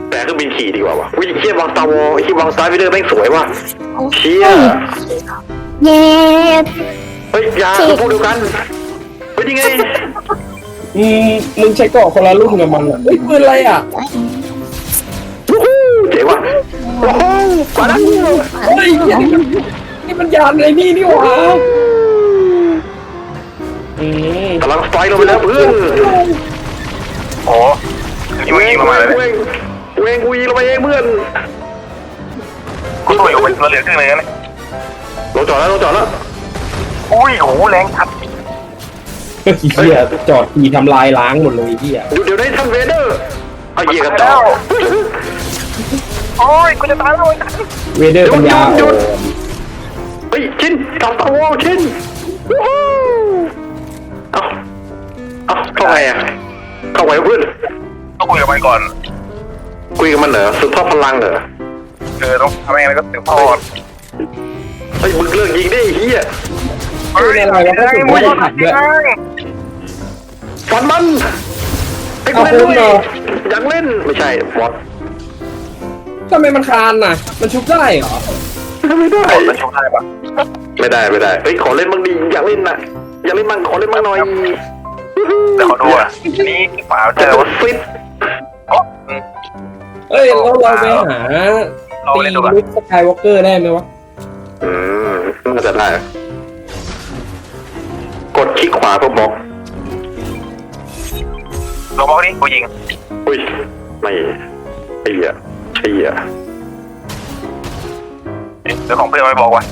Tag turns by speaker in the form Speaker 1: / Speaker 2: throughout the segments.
Speaker 1: แต่เครื่องบินขี่ดีกว่าวะวิ่งเชี่ยวางตาวอไอ้ที่วางสไตล์วิเดอร์แม่งสวยว่ะเชี่ย
Speaker 2: เย้
Speaker 1: เฮ้ยยาพูดเดียวกันเป็นยังไง
Speaker 3: มึงใช้เกาะคนละรุ่นกับมันอ่ะเฮ้ยปืนอะไรอ่ะ
Speaker 1: เจ๋งว่ะโอ้โหมาแล้ว
Speaker 3: เฮ้ยนี่มันยานอะไรนี่หว่าก
Speaker 1: ำลังไฟลงไปแล้วเพื่อน
Speaker 4: โอ้ยมึงยิงมาเลย
Speaker 1: เวงกูยิงลงไปเองเพื่อน
Speaker 4: กูตัวอยู่เป็นเหลือครึ่งนึงนะ
Speaker 1: ลงจอดแล้ว
Speaker 4: อุ้ยโหแรงทัด
Speaker 3: เฮียจอดทีทำลายล้างหมดเลยเฮีย
Speaker 1: เดี๋ยวได้ท่านเวเดอร์เอาเหยียบกันต่อ
Speaker 4: โอ้ยกูจะตายแล้ว
Speaker 3: เวเดอร์ปัญญา
Speaker 1: เฮ้ยชินกลับตาวอชินเอาเข้าไงอ่ะเข้าไงเพื่อน
Speaker 4: ต้องคุยกับมันก่อน
Speaker 1: คุยกับมันเหรอสุดทอดพลังเหรอ
Speaker 4: ต้องทำยังไงก็สืบทอด
Speaker 1: เฮ้ยมึงเลิกยิงได้เฮีย
Speaker 4: เฮ้ยอะไรวะก็สืบทอดผัดด้วย
Speaker 1: ฟันมันไอ้กูเล่นด้วยอยากเล่นไม่ใช่บอส
Speaker 3: ทำไมมันคานน่ะมันชุบได้เหรอ
Speaker 1: ไม่ได้
Speaker 4: มันชุบได้ปะ
Speaker 1: ไม่ได้เฮ้ยขอเล่นบ้างดีอยากเล่นน่ะอยากเล่นบ้างขอเล่นบ้างหน่อย
Speaker 4: เดี๋ยวขอดูอ่ะนี่ฝาเจอวะ
Speaker 1: ฟิต
Speaker 3: เอ้ยเราไปหาตีลุคสกายวอล์กเกอร์ได้ไหมวะ
Speaker 1: น่าจะได้กดคลิกขวาเพื่อบล็อก
Speaker 4: ลงบล็อกนี่กูยิง
Speaker 1: อุ้ยไม่ไอ้เหี้ย
Speaker 4: เดี๋ยวของเพื่อนไม่บอกว่ะ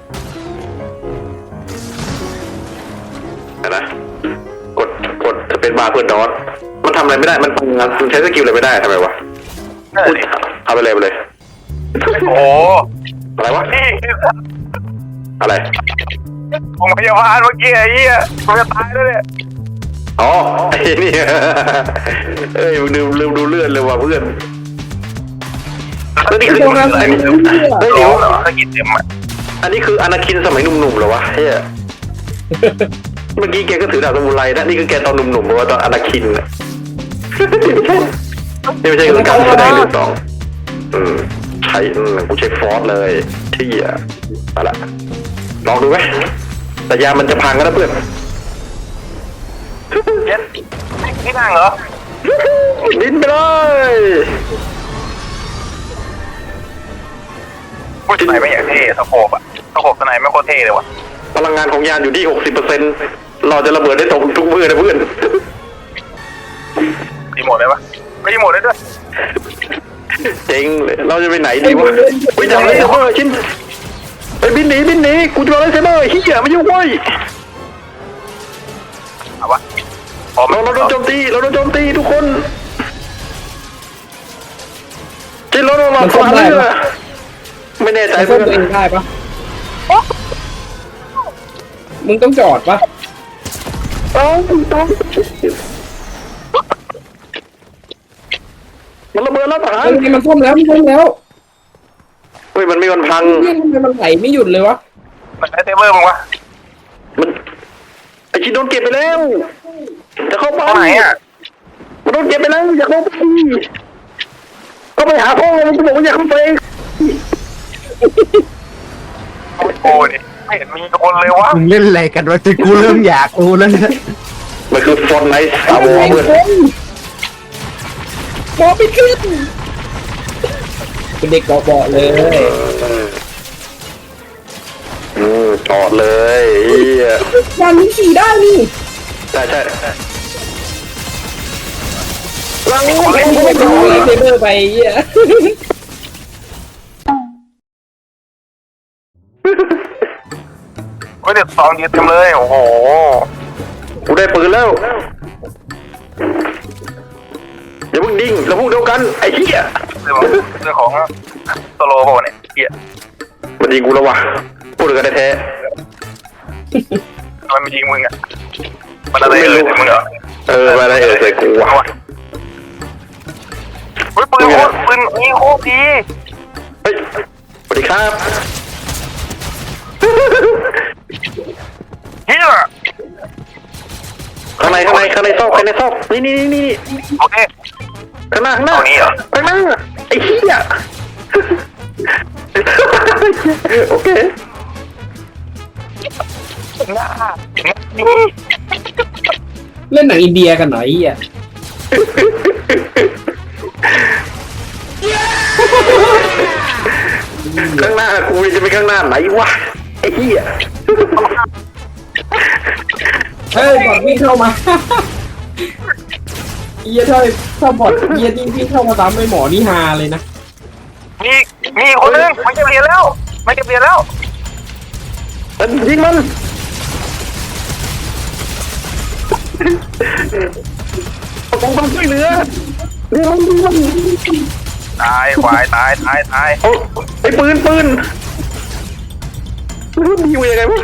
Speaker 1: นะกดจะเป็นบาร์เพื่อนดอทมันทำอะไรไม่ได้มันใช้สกิลอะไรไม่ได้ทำไมวะเอาไปเลย
Speaker 4: โอ้
Speaker 1: อะไรวะ
Speaker 4: นี่
Speaker 1: อะไร
Speaker 4: ผมพยาบาลเมื่อกี้ไอ้เหี้ยกูจะตายแล้วเนี่ย
Speaker 1: อ๋อไอ้นี่เอ้ยลืมดูเลือดเลยว่ะเพื่อนนี่คืออันนี้เฮ้ยเดี๋ยวอันนี้คืออนาคินสมัยหนุ่มๆเหรอวะเฮ้ยเมื่อกี้แกก็ถือดาบสมุไรนะนี่คือแกตอนหนุ่มๆบอกว่าตอนอนาคินนี่ไม่ใช่การแสดงหรือต่อใช้กูใช้ฟอสเลยที่อะไรลองดูไหมแต่ยามันจะพังกันนะเพื่อน
Speaker 4: นี่นั่งเหรอ
Speaker 1: ดิ้นไปเลย
Speaker 4: ผู้ชายไม่อยากเท่สโคปสไนไม่โคตรเท่เลยวะ
Speaker 1: พลังงานของยานอยู่ที่ 60%เราจะระเบิดได้ตรงทุกมือนะเพื่อน
Speaker 4: รีโมทได้ปะไม่รีโมทได้ด้วย
Speaker 1: เจ๋งเลยเราจะไปไหนดีวะไปจับเลยเซเบอร์ชิ้นไปบินหนีกูจะเลยเซเบอร์เฮียไม่ยุ่งเว้ย
Speaker 4: เอาวะ
Speaker 1: เราโดนโจมตีทุกคนชิ้นรถเราขวาเลยไม่แน่ใจ
Speaker 3: เพื่อนตัวเองได้ปะมึงต้องจอดปะ
Speaker 1: ต้องมันระเบิดแล้วทหาร
Speaker 3: มันซ่อมแล้ว
Speaker 1: เฮ้ยมันไม่พัง
Speaker 3: ทำไมมันไหลไม่หยุดเลยวะ
Speaker 4: มันได้เซเวอร์มั้งวะ
Speaker 1: มันไอชิ้นโดนเก็บไปแล้วจะเข้าไป
Speaker 4: ไหนอ่ะ
Speaker 1: มันโดนเก็บไปแล้วอยากเข้าไปก็ไปหาพ่อมันจะบอกว่าอยากเข้าไป
Speaker 4: โอ้ยไม่เห็นมีคนเลยวะ
Speaker 5: มึงเล่นอะไรกันวะจนกูเริ่มอยากรู้แล้วเนี่ย
Speaker 1: มันคือฟอนไนท์สตาร์วอร์เพื่อน
Speaker 3: บอไปขึ้นเป็นเด็กเบาๆเลย
Speaker 1: จอดเลย
Speaker 3: วันนี้ขี่ได้นี่
Speaker 1: ใช่
Speaker 3: วางไม่ต่อเลยเซเบอร์ไป
Speaker 4: เฮ้ยเด็กสองยืดเต็มเลยโอ้โห
Speaker 1: กูได้ปืนแล้วอย่าเพิ่งดิ้งเราพูดเดียวกันไอ้เหี้ย
Speaker 4: เรื่องของโซโล่ป่ะเนี่ยเหี้ย
Speaker 1: มันยิงกูแล้ววะพูดกันแท้
Speaker 4: ทำไมมันยิงมึงอ่ะมันอะไรมึงเหรอ
Speaker 1: มาอะไรใส่กูวะ
Speaker 4: เฮ้ยปืนยิงโคตรดี
Speaker 1: เฮ้ยสวัสดีครับ
Speaker 4: เฮีย
Speaker 1: ข้างในซอกนี่
Speaker 4: โอเค
Speaker 1: ข้างหน้าข้างหน้า
Speaker 4: ตรงนี้เหรอ
Speaker 1: ข้างหน้าไอ้เหี้ยโอเค
Speaker 3: เล่นหนังอินเดียกันหน่อยอ่ะ
Speaker 1: ข้างหน้ากูจะไปข้างหน้าไหนวะไอ้เหี้ย
Speaker 3: เฮ้ยบอดวิ่งเข้ามาเหี้ยถ้าบอดเหี้ยนี่วิ่งเข้ามาตามไอ้หมอนี่ฮาเลยนะ
Speaker 4: มีคนนึงมันจะเปลี่ยนแล้วมันจะเปลี่ยนแล้ว
Speaker 1: ยิงมันต้องช่วยเหลือเร็วๆ
Speaker 4: ตายควายตาย
Speaker 1: เอาไอ้ปืนรู้ดีว่ายังไงวะ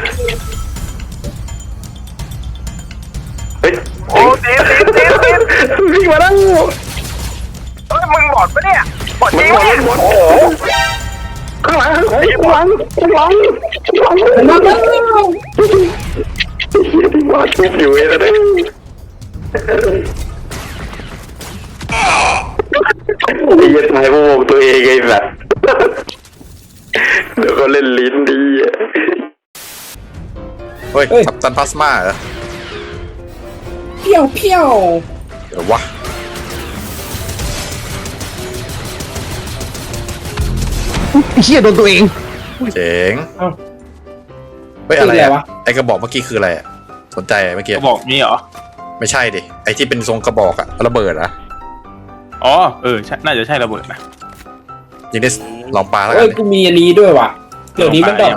Speaker 1: เฮ้ย
Speaker 4: โอ้ตี
Speaker 1: วิ่งมาแล้ว
Speaker 4: เฮ้ยมึงบอดปะเนี่ยบอดจริง
Speaker 1: หม
Speaker 4: ปะเนี่ย
Speaker 1: ด
Speaker 4: โอ้โห
Speaker 1: ข้างหลังมาชุบอยู่ไอ้นั่นไอ้ยันทายพวกตัวเองไอ้แบบเดี๋ยวก็เล่นลิ้นดี
Speaker 6: เฮ้ยกัปตันพลาสมาเหรอ
Speaker 3: เพี้ยว
Speaker 6: เดี๋ยววะ
Speaker 5: เฮียโดนตัวเอง
Speaker 6: เจ๋ง
Speaker 3: เอ้า
Speaker 6: เฮ้ยอะไร
Speaker 3: คืออะไร
Speaker 6: อะ
Speaker 3: วะ
Speaker 6: ไอกระบอกเมื่อกี้คืออะไรอะสนใจอะเมื่อกี้
Speaker 4: บอกนี่เหรอ
Speaker 6: ไม่ใช่ดิไอที่เป็นทรงกระบอกอะระเบิดอะ
Speaker 4: อ๋อน่าจะใช่ระเบิดนะ
Speaker 6: ยิงได้ลองปลาแล้วกั
Speaker 3: เอ้
Speaker 6: น
Speaker 3: ย
Speaker 6: ดิ
Speaker 3: กูมีอันนี้ด้วยว่ะเดี๋ยวนี้มันดอก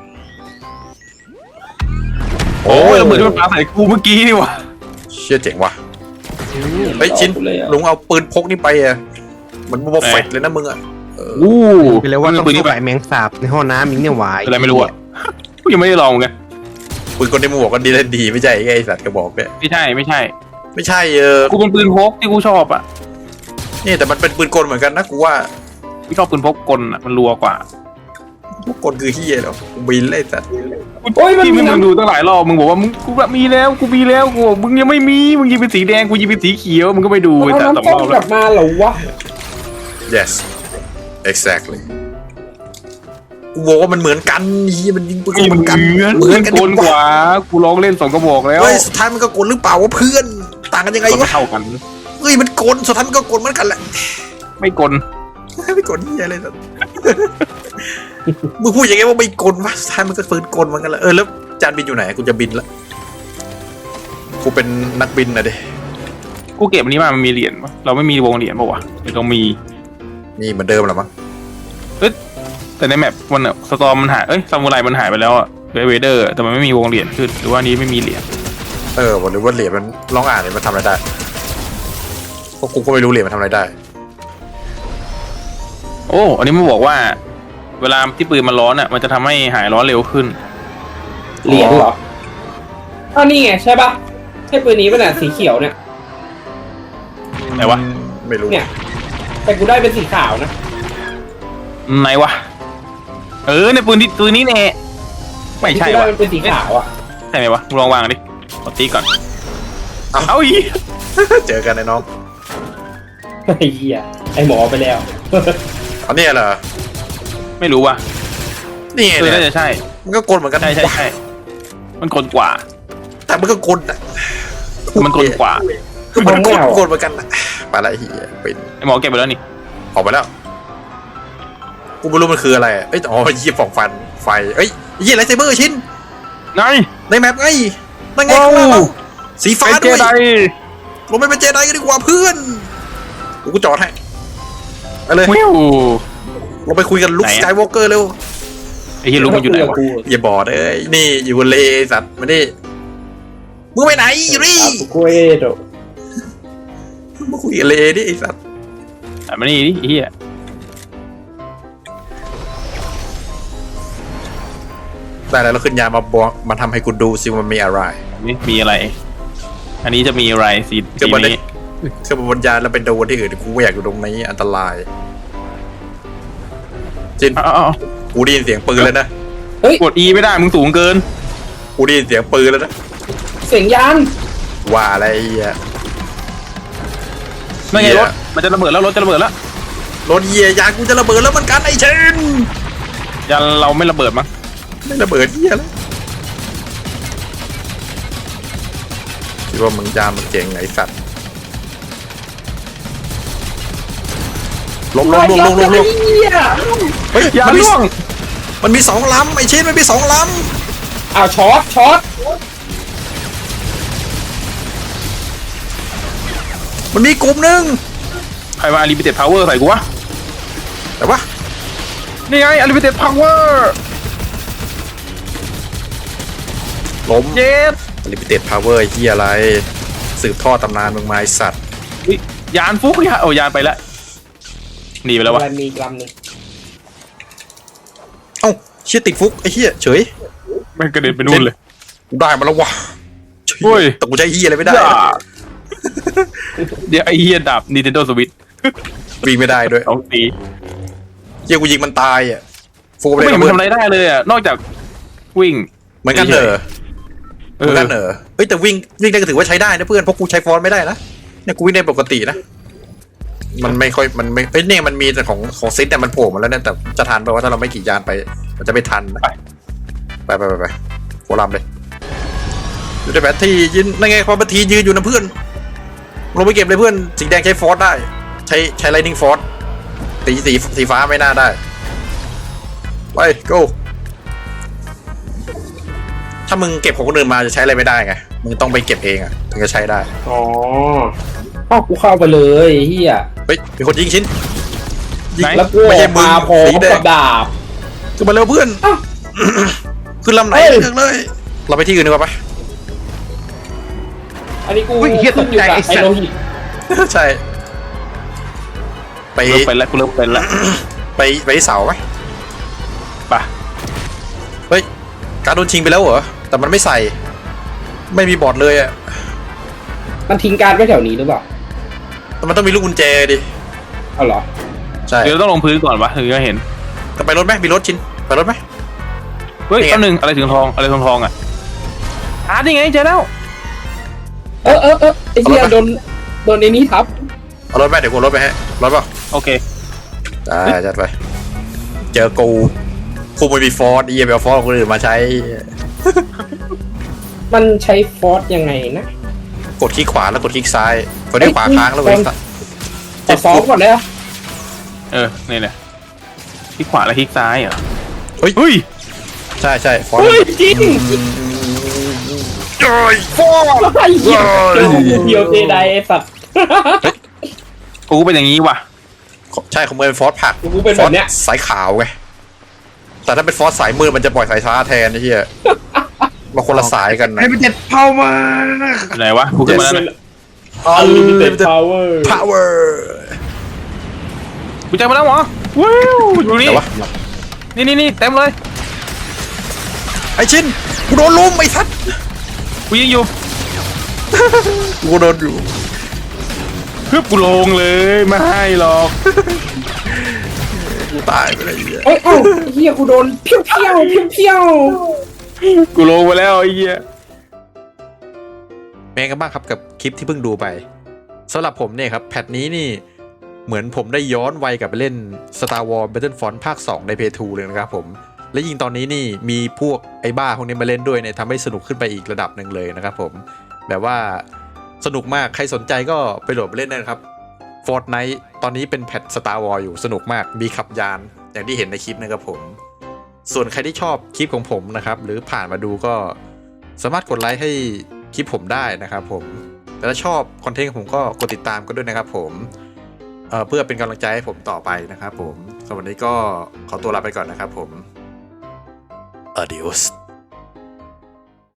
Speaker 6: โอ้ย
Speaker 4: ระเบิดที่มันปาใส่กูเมื่อกี้นี่วะ
Speaker 6: เชี่ยเจ๋งว่ะเฮ้ยชิ้นลุงเอาปืนพกนี่ไปอะมันโมเฟตเลยนะมึงอะ
Speaker 4: อู้
Speaker 5: ไปเลยว่าต้อง
Speaker 4: ปืนนี่
Speaker 5: เข้า
Speaker 4: ไป
Speaker 5: ไปแมงสาบในห้องน้ำมิงเนี่ยหวาย
Speaker 4: อะไรไม่รู้อะกูยังไม่ได้ลองไง
Speaker 6: ปืนคนที่มึงบอกก็ดีเล่นดีไม่ใช่ไอสัตว์กระบอกเนี่ย
Speaker 4: ไม่ใช่
Speaker 6: ไม่ใช่
Speaker 4: กูเป็นปืนพกที่กูชอบอ่ะ
Speaker 6: นี่แต่มันเป็นปืนกลเหมือนกันนะกูว่า
Speaker 4: กูชอบปืนพกกลอ่ะมันรัวกว่า
Speaker 6: พวกกลคือเฮียแล้วกูบินเลยสัตว์
Speaker 3: โอ้ยมัน
Speaker 4: ที่
Speaker 3: มี
Speaker 4: มึง
Speaker 3: น้ำ
Speaker 4: ดูตั้งหลายรอบมึงบอกว่ามึงกูแบบมีแล้วกูบอกมึงยังไม่มีมึงยิงเป็นสีแดงกูยิงเป็นสีเขียวมึงก็ไปดูไอ้
Speaker 3: เอา
Speaker 4: แต่
Speaker 3: น้ำ
Speaker 4: สอง
Speaker 3: ส้
Speaker 4: ร
Speaker 3: ม
Speaker 4: อบ
Speaker 3: ก
Speaker 4: แล้
Speaker 3: ลั
Speaker 4: ว
Speaker 3: บมาเหรอวะ
Speaker 6: yes exactly กูบอกว่ามันเหมือนกันนี่มันยิงปืนเหมือนกัน
Speaker 4: เหมือนกลกว่ากูลองเล่น2กระบอกแล้ว
Speaker 6: เฮ้ยสุดท้ายมันก็กลหรือเปล่าวะเพื่อนต่างกันยังไง
Speaker 4: มัน
Speaker 6: วะ
Speaker 4: เท่ากัน
Speaker 6: เฮ้ยมันกลสุดท้ายมันก็กลเหมือนกันแหละ
Speaker 4: ไม่กล
Speaker 6: ไม่กลนี่อะไรสัตว์ มึงพูดอย่างไงว่าไม่กลวะสุดท้ายมันก็ปืนกลเหมือนกันแหละแล้วจานบินอยู่ไหนกูจะบินละกูเป็นนักบินนะเด้
Speaker 4: กูเก็บอันนี้มามันมีเหรียญปะเราไม่มีวงเหรียญปะวะหรือเรามี
Speaker 6: นี่เหมือนเดิมแหละมั้ง
Speaker 4: แต่ในแมปมันอะสตอมมันหายซามูไรมันหายไปแล้วอะเวเดอร์แต่มันไม่มีวงเหรียญขึ้นหรือว่านี้ไม่มีเหรียญ
Speaker 6: หรือว่าเหรียญมันลองอ่านเลยมันทำอะไรได้เพราะกูก็ไม่รู้เหรียญมันทำอะไรได้
Speaker 4: โอ้อันนี้มันบอกว่า เวลาที่ปืนมันร้อนอะมันจะทำให้หายร้อนเร็วขึ้น
Speaker 3: เหรียญเหรออ้าวนี่ไงใช่ปะใช่ปืนนี้ป่ะเนี่ยสีเขียวเนี่ย
Speaker 4: ไหนวะ
Speaker 6: ไม่รู้
Speaker 3: เนี่ย แต่กูได้เป็นสีขาวนะ
Speaker 4: ไหนวะในปืนนี้แน่ไม่ใช่
Speaker 3: กูได้
Speaker 4: วะ
Speaker 3: เป็นสีขาวอ่ะ
Speaker 4: ใช่ไหมวะมึงลองวางดิขอตีก่อนเอาอี
Speaker 6: เจอกันไอ้น้อง
Speaker 3: ไอ้เหี้ยไอ้หมอไปแล้ว
Speaker 6: อันนี้เหรอ
Speaker 4: ไม่รู้ว่ะ
Speaker 6: นี่ไง
Speaker 4: น่า
Speaker 6: เนี่ย
Speaker 4: จะใช่
Speaker 6: มันก็กลเหมือนกัน
Speaker 4: ใช่มันกลกว่า
Speaker 6: แต่มันก็กลอ่ะ
Speaker 4: มันกลกว่า
Speaker 6: มันกลเหมือนกันนะไปละเฮียเป็น
Speaker 4: ไอหมอเก็บไปแล้วนี่
Speaker 6: ออกไปแล้วกูไม่รู้มันคืออะไรเอ้ยอ๋อเยี่ยฟองฟันไฟเอ้ยเยี่ยไรเซเบอร์ชิ้น
Speaker 4: ไง
Speaker 6: ในแมปไงนั่นไงข้างล่างเราสีฟ้า
Speaker 4: ไอเจ
Speaker 6: ด้วย
Speaker 4: ได
Speaker 6: ลงไปเป็นเจไดกันดีกว่าเพื่อนกูจอดให้ไปเลย
Speaker 4: วิว
Speaker 6: ลงไปคุยกันลุค
Speaker 4: ไหน
Speaker 6: ส
Speaker 4: อะ
Speaker 6: กายวอล์กเกอร์เร็ว
Speaker 4: ไอเฮียรู้มันอยู่ไหนวะ
Speaker 6: อย่าบอดเอ้ยนี่อยู่บนเลสัตว์มาดิมึงไปไหนอยู่นี่
Speaker 3: กูเอโด
Speaker 6: มาคุยกับเลดิไอ้สัตว์
Speaker 4: มานี่ดิไอ้เฮีย
Speaker 6: ได้แล้วเราขึ้นยามาบอกมาทำให้กูดูสิว่ามันมีอะไร
Speaker 4: นี่มีอะไร อันนี้จะมีอะไรสี
Speaker 6: คือมัน
Speaker 4: นี้
Speaker 6: คือมันบนยานแล้วเป็นโดนที่อื่นกูไม่อยากอยู่ตรงนี้อันตรายจิน
Speaker 4: อ้าว
Speaker 6: กูได้ยินเสียงปืนแล้วนะ
Speaker 4: กด E ไม่ได้มึงสูงเกิน
Speaker 6: กูได้ยินเสียงปืนแล้วนะ
Speaker 3: เสียงยาน
Speaker 6: ว่าอะไรอ่ะ
Speaker 4: นั่นไงรถมันจะระเบิดแล้วรถจะระเบิดแล้ว
Speaker 6: รถเหี้ยยางกูจะระเบิดแล้วมันกันไอ้เชน
Speaker 4: ยันเราไม่ระเบิดมั้ง
Speaker 6: ไม่ระเบิดเหี้ยแล้วคิดว่ามึงยามมึงเก่งไอ้สัตว์ลง
Speaker 3: เหี้ย
Speaker 6: เฮ้ย
Speaker 4: ยา
Speaker 6: มันมี
Speaker 4: ล่วง
Speaker 6: มันมีสองลำไอ้เชนมันมีสองล
Speaker 3: อ้าวช็อต
Speaker 6: ำมันมีกลุ่มหนึ่ง
Speaker 4: ใครมา Unlimited Power ใส่กูวะ
Speaker 6: แต่ว่า
Speaker 4: นี่ไง Unlimited Power
Speaker 6: ล้ม
Speaker 4: เย็ด
Speaker 6: Limited Power ไอ้เหี้ยอะไรสืบทอดตำนานมึงมาไอ้สัตว์
Speaker 4: อุ๊ยยานฟุกยานโอ้ยานไปแล้วหนีไปแล้ววะ
Speaker 3: มันมีอีกลำหนึ่ง
Speaker 6: เอ้าเชี่ยติดฟุกไอ้เหี้ยเฉย
Speaker 4: มันกระเด็นไปนู่นเลย
Speaker 6: กูได้มาแล้ววะ
Speaker 4: โอ้ย
Speaker 6: แต่กูใช้เหี้ยอะไรไม่ได้
Speaker 4: เดี๋ยวไอ้เหี้ยดับ Nintendo Switch
Speaker 6: วิ่งไม่ได้ด้วย
Speaker 4: เอาตี
Speaker 6: เหี้ยกูยิงมันตายอ่ะฟูไป
Speaker 4: ไม่
Speaker 6: เลย
Speaker 4: เห็นมันทำอะไรได้เลยอ่ะนอกจากวิ่ง
Speaker 6: เหมือนกันเหรอเหมือนกันเหรอเฮ้ยแต่วิ่งได้ก็ถือว่าใช้ได้นะเพื่อนเพราะกูใช้ฟอนต์ไม่ได้นะเนี่ยกูวิ่งได้ปกตินะมันไม่ค่อยมันไม่เอ้ยเนี่ยมันมีแต่ของซิดเนี่ยมันโผล่มาแล้วเนี่ยแต่จะทันไปว่าถ้าเราไม่ขี่ยานไปมันจะไม่ทันนะไปโคลามเลยอยู่ในแบตที่ยืนนั่นไงความบัตทียืนอยู่นะเพื่อนลงไปเก็บเลยเพื่อนสีแดงใช้ฟอสได้ใช้ไลนิ่งฟอสสีฟ้าไม่น่าได้ไป go ถ้ามึงเก็บของคนอื่นมาจะใช้อะไรไม่ได้ไงมึงต้องไปเก็บเองอะถึงจะใช้ได้
Speaker 3: อ๋ออ้าวกูเข้าไปเลยเฮีย
Speaker 6: เฮ้ยมีคนยิงชิ้นยิง
Speaker 3: แล้วกู
Speaker 6: ไม่ใช่มึง
Speaker 3: มาพอ
Speaker 6: สีแด
Speaker 3: กั
Speaker 6: ง
Speaker 3: บดาบ
Speaker 6: ขึ้นมาเร็วเพื่อน
Speaker 3: อ้าว
Speaker 6: ขึ้นลำไหน
Speaker 3: เฮ้ย
Speaker 6: เลือกเลย เราไปที่อื่นดีกว่าปะ
Speaker 3: อันนี้กู
Speaker 5: อุ้ยเหี้ยตกใจ
Speaker 3: ขึ้นอยู่บ
Speaker 5: ไอ้สัตว์
Speaker 3: โลหิต
Speaker 6: ใช่ ไป
Speaker 4: เริ่มเป็นแล้วกูเริ่มเป็นแล้ว
Speaker 6: ไปที่เสาไหม
Speaker 4: ป่ะ
Speaker 6: เฮ้ยการโดนชิงไปแล้วเหรอแต่มันไม่ใส่ ไม่มีบอร์ดเลยอะ
Speaker 3: มันทิ้งการดไว้แถวนี้หรือเปล่า
Speaker 6: แต่มันต้องมีลูกกุญแจดิ
Speaker 3: เอาเหรอ
Speaker 6: ใช่
Speaker 4: เดี๋ยวต้องลงพื้นก่อนวะถึงจะเห็น
Speaker 6: จะไปรถไหมมีรถชิ้นไปรถไหม
Speaker 4: เฮ้ย
Speaker 6: นี่ไง
Speaker 4: แป๊บนึงอะไรถึงทองอะไรทองอ่ะนี่ไงเจอแล้ว
Speaker 3: ไอ้เหี้ยโดนไอ้นี้ทับ
Speaker 6: เอารถไหมเดี๋ยวกูเอารถไปให้รถเปล่า
Speaker 4: โอเค
Speaker 6: ได้จัดไปเจอกูไม่มีฟอร์ดไปเอาฟอร์ดของคนอื่นมาใช้
Speaker 3: มันใช้ฟอสยังไงนะ
Speaker 6: กดคลิกขวาแล้วกดคลิกซ้ายกดได้ขวาค้างแล้วเว้ย
Speaker 3: ขอซ้อมก่อนเลยอะ
Speaker 4: นี่แหละคลิกขวาแล้วคลิกซ้ายเหรอ
Speaker 6: เฮ้ย
Speaker 4: เฮ้ย
Speaker 6: ใช่ฟอร์ด
Speaker 3: เฮ้ยจริง
Speaker 6: จอยฟอร์ด
Speaker 3: ไอ้เหี้ยเดียวเจไดไอ้สัตว์
Speaker 4: กูเป็นอย่างนี้ว่ะ
Speaker 6: ใช่ของมือเป็นฟอร์ดผัก
Speaker 3: กูเป็นแบบเนี้ย
Speaker 6: ฟอร์ดสายขาวไงแต่ถ้าเป็นฟอร์ดสายมืดมันจะปล่อยสายฟ้าแทนไอ้เหี้ยมาคนละสายกันนะ
Speaker 5: ให้เป็นเจ็ดเผามา
Speaker 4: ไหนวะกูขึ้นมาแล้วนะ
Speaker 3: Unlimited Power
Speaker 6: power
Speaker 4: กูเจอมาแล้วเหรอว้าวอยู่นี่
Speaker 6: แต่ว่า
Speaker 4: นี่เต็มเลย
Speaker 6: ไอ้ชินกูโดนลุมไอ้สัตว์
Speaker 4: กูยิงอยู่
Speaker 6: กูโดนอยู่
Speaker 4: ฮึบกูลงเลยไม่ให้หรอก
Speaker 6: กูตายไปเลยไอ้เหี้ย
Speaker 3: เอ้ยเอ้าไอ้เหี้ยกูโดนเพี้ยว
Speaker 4: กูลงไปแล้วไอ้เหี้ย
Speaker 6: เป็นไงกันบ้างครับกับคลิปที่เพิ่งดูไปสำหรับผมเนี่ยครับแพทนี้นี่เหมือนผมได้ย้อนวัยกลับไปเล่น Star Wars Battlefront ภาค 2 ใน Play 2 เลยนะครับผมและยิ่งตอนนี้นี่มีพวกไอ้บ้าพวกนี้มาเล่นด้วยเนี่ยทำให้สนุกขึ้นไปอีกระดับหนึ่งเลยนะครับผมแบบว่าสนุกมากใครสนใจก็ไปโหลดไปเล่นได้นะครับ Fortnite ตอนนี้เป็นแพท Star Wars อยู่สนุกมากมีขับยานอย่างที่เห็นในคลิปนะครับผมส่วนใครที่ชอบคลิปของผมนะครับหรือผ่านมาดูก็สามารถกดไลค์ให้คลิปผมได้นะครับผมแต่ถ้าชอบคอนเทนต์ของผมก็กดติดตามกันด้วยนะครับผมเพื่อเป็นกำลังใจให้ผมต่อไปนะครับผมสำหรับวันนี้ก็ขอตัวลาไปก่อนนะครับผม Adios